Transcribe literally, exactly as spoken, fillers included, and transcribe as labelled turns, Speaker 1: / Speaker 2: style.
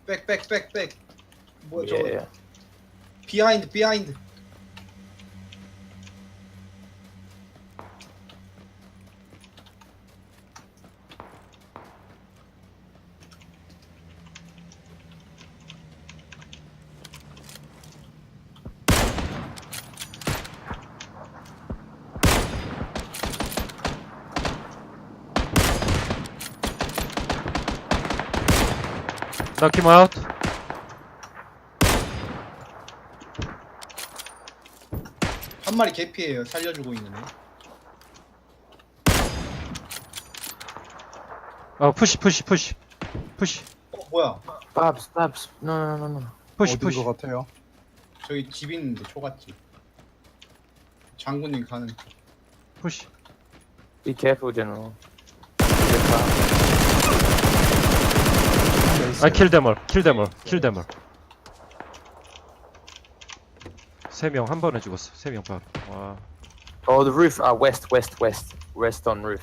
Speaker 1: 백, 백, 백, 백. 뭐야 저
Speaker 2: Yeah.
Speaker 1: 비하인드, 비하인드.
Speaker 3: Knock him out.
Speaker 1: 한 마리 개피예요. 살려주고 있는 애.
Speaker 3: 어, 푸시, 푸시, 푸시, 푸시,
Speaker 1: 어 뭐야?
Speaker 2: Babs, Babs. No, no, no, no.
Speaker 3: 푸시,
Speaker 4: 어디인
Speaker 3: 푸시.
Speaker 4: 것 같아요?
Speaker 1: 저기 집 있는데 초가집. 장군님 가는.
Speaker 3: 푸시.
Speaker 2: Be careful, General.
Speaker 3: I kill them all. Kill them all. Kill them all. 세 명 한 번에 죽었어. 세 명 바로. 와.
Speaker 2: Oh, the roof. Uh, west, west, west. West on roof.